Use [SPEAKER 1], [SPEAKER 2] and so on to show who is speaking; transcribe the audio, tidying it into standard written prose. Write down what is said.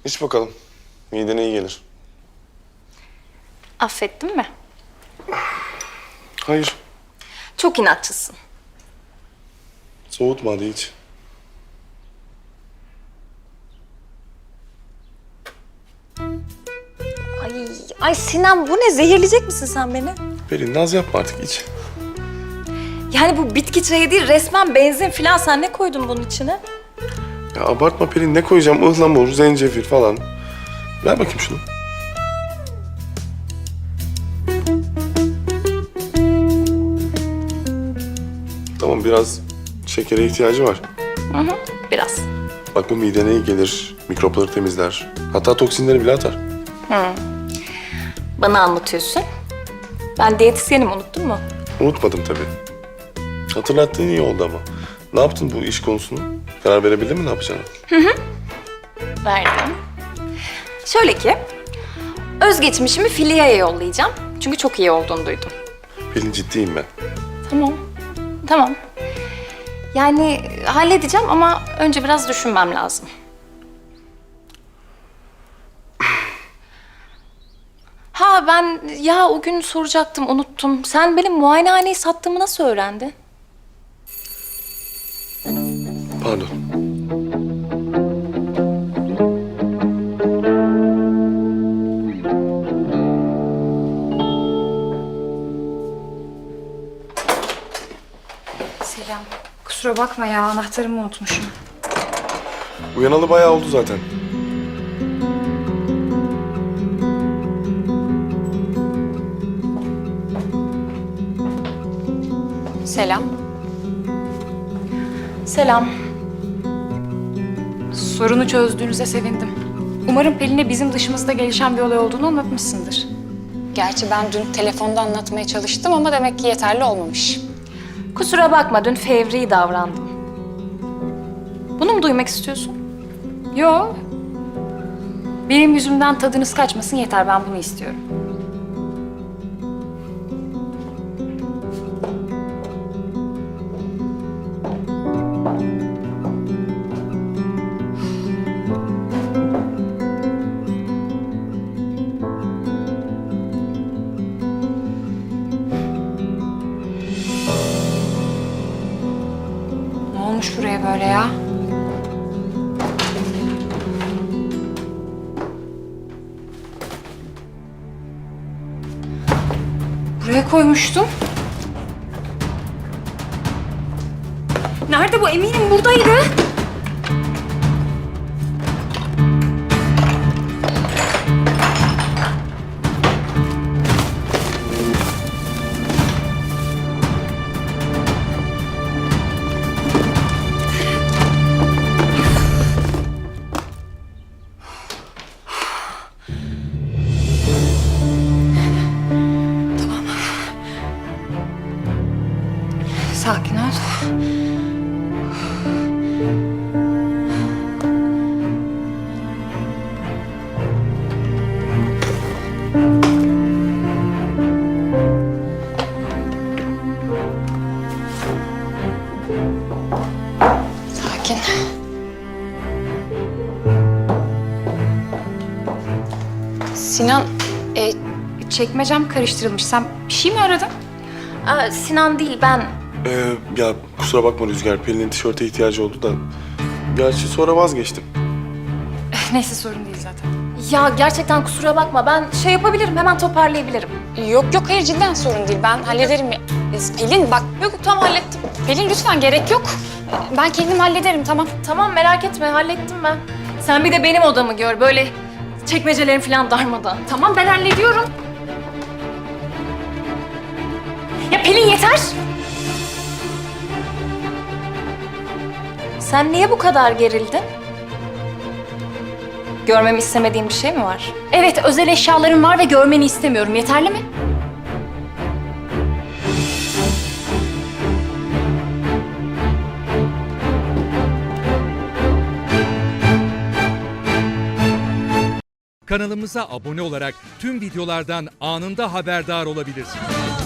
[SPEAKER 1] İç bakalım. Midene iyi gelir.
[SPEAKER 2] Affettin mi?
[SPEAKER 1] Hayır.
[SPEAKER 2] Çok inatçısın.
[SPEAKER 1] Soğutma hadi iç.
[SPEAKER 2] Ay Sinan, bu ne? Zehirleyecek misin sen beni?
[SPEAKER 1] Pelin naz yapma artık iç.
[SPEAKER 2] Yani bu bitki çayı değil, resmen benzin falan. Sen ne koydun bunun içine?
[SPEAKER 1] Ya abartma Pelin, ne koyacağım? Ihlamur, zencefil falan. Ver bakayım şunu. Tamam, biraz şekere ihtiyacı var.
[SPEAKER 2] Biraz.
[SPEAKER 1] Bak bu midene iyi gelir, mikropları temizler. Hatta toksinleri bile atar.
[SPEAKER 2] Bana anlatıyorsun. Ben diyetisyenim, unuttun mu?
[SPEAKER 1] Unutmadım tabii. Hatırlattığın iyi oldu ama. Ne yaptın bu iş konusunu? Karar verebildin mi ne yapacağını?
[SPEAKER 2] Verdim. Şöyle ki, özgeçmişimi Filya'ya yollayacağım. Çünkü çok iyi olduğunu duydum.
[SPEAKER 1] Pelin ciddiyim ben.
[SPEAKER 2] Tamam. Yani halledeceğim ama önce biraz düşünmem lazım. Ben o gün soracaktım, unuttum. Sen benim muayenehaneyi sattığımı nasıl öğrendin?
[SPEAKER 1] Pardon.
[SPEAKER 3] Selam. Kusura bakma ya, anahtarımı unutmuşum.
[SPEAKER 1] Uyanalı bayağı oldu zaten.
[SPEAKER 3] Selam.
[SPEAKER 2] Selam.
[SPEAKER 3] Sorunu çözdüğünüze sevindim. Umarım Pelin'e bizim dışımızda gelişen bir olay olduğunu anlatmışsındır.
[SPEAKER 4] Gerçi ben dün telefonda anlatmaya çalıştım ama demek ki yeterli olmamış.
[SPEAKER 2] Kusura bakma, dün fevri davrandım. Bunu mu duymak istiyorsun?
[SPEAKER 3] Yo. Benim yüzümden tadınız kaçmasın yeter, ben bunu istiyorum. Ne olmuş buraya böyle ya? Buraya koymuştum. Nerede bu? Eminim buradaydı. Sakin ol.
[SPEAKER 4] Sakin. Sinan,
[SPEAKER 3] Çekmecem karıştırılmış. Sen bir şey mi aradın?
[SPEAKER 2] Sinan değil, ben.
[SPEAKER 1] Ya kusura bakma Rüzgar, Pelin'in tişörte ihtiyacı oldu da. Gerçi sonra vazgeçtim.
[SPEAKER 3] Neyse, sorun değil zaten.
[SPEAKER 2] Ya gerçekten kusura bakma, ben yapabilirim, hemen toparlayabilirim.
[SPEAKER 4] yok hayır cidden sorun değil. Ben hallederim. Pelin bak. Yok tamam hallettim. Pelin lütfen gerek yok. Ben kendim hallederim tamam.
[SPEAKER 2] Tamam, merak etme, hallettim ben. Sen bir de benim odamı gör, böyle çekmecelerim falan darmadan.
[SPEAKER 3] Tamam, ben hallediyorum.
[SPEAKER 2] Ya Pelin, yeter! Sen niye bu kadar gerildin? Görmemi istemediğin bir şey mi var?
[SPEAKER 3] Evet, özel eşyalarım var ve görmeni istemiyorum. Yeterli mi?
[SPEAKER 5] Kanalımıza abone olarak tüm videolardan anında haberdar olabilirsiniz.